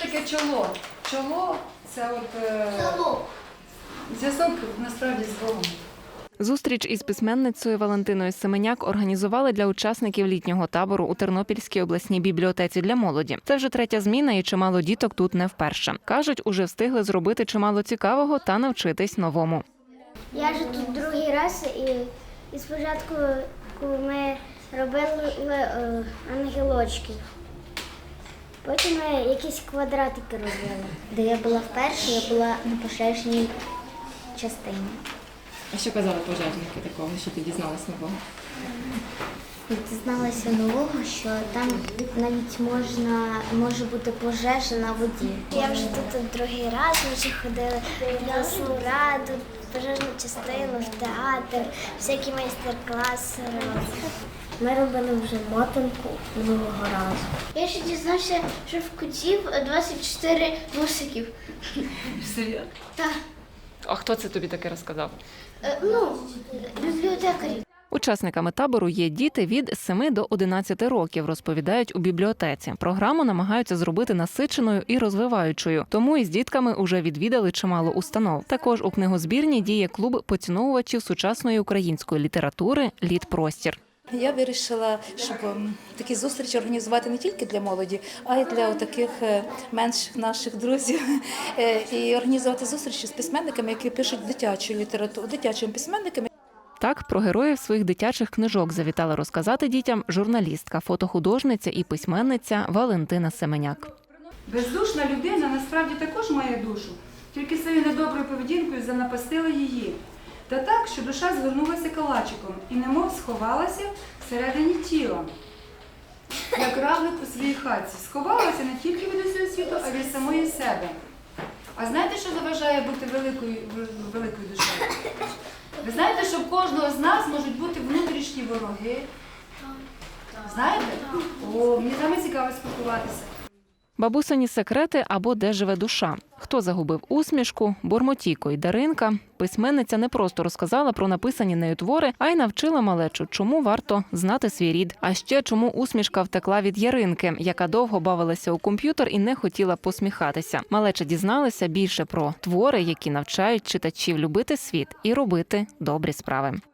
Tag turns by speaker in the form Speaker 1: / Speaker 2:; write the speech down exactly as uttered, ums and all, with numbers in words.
Speaker 1: таке чоло? Чоло – це от е... зв'язок насправді з Богом.
Speaker 2: Зустріч із письменницею Валентиною Семеняк організували для учасників літнього табору у Тернопільській обласній бібліотеці для молоді. Це вже третя зміна і чимало діток тут не вперше. Кажуть, уже встигли зробити чимало цікавого та навчитись новому.
Speaker 3: Я вже тут другий раз і, і спочатку ми робили е, ангелочки. Потім ми якісь квадратики робили. Де я була вперше, я була на пожежній частині.
Speaker 2: А що казали пожежники такого, що ти дізналась нового?
Speaker 3: Дізналася нового, що там навіть можна, може бути пожежа на воді. Я вже тут другий раз, ми вже ходили в обласну раду, в пожежну частину, в театр, всякі майстер-класи робили. Ми робили вже мотанку минулого разу. Я ще дізнався, що в котів двадцять чотири вусиків.
Speaker 2: Серйозно?
Speaker 3: Так.
Speaker 2: А хто це тобі таке розказав?
Speaker 3: Ну, бібліотекарі.
Speaker 2: Учасниками табору є діти від семи до одинадцяти років, розповідають у бібліотеці. Програму намагаються зробити насиченою і розвиваючою, тому із дітками уже відвідали чимало установ. Також у книгозбірні діє клуб поціновувачів сучасної української літератури «Літпростір».
Speaker 4: Я вирішила, щоб такі зустрічі організувати не тільки для молоді, а й для таких менших наших друзів. І організувати зустрічі з письменниками, які пишуть дитячу літературу, дитячими письменниками.
Speaker 2: Так, про героїв своїх дитячих книжок завітала розказати дітям журналістка, фотохудожниця і письменниця Валентина Семеняк.
Speaker 1: Бездушна людина насправді також має душу, тільки своєю недоброю поведінкою занапастила її. Та так, що душа звернулася калачиком і немов сховалася всередині тіла, як равлик у своїй хатці. Сховалася не тільки від усього світу, а від самої себе. А знаєте, що заважає бути великою, великою душею? Ви знаєте, що в кожного з нас можуть бути внутрішні вороги? Знаєте? О, мені з вами цікаво спілкуватися.
Speaker 2: Бабусині секрети або де живе душа. Хто загубив усмішку, Бормотійко і Даринка. Письменниця не просто розказала про написані нею твори, а й навчила малечу, чому варто знати свій рід. А ще чому усмішка втекла від Яринки, яка довго бавилася у комп'ютер і не хотіла посміхатися. Малеча дізналася більше про твори, які навчають читачів любити світ і робити добрі справи.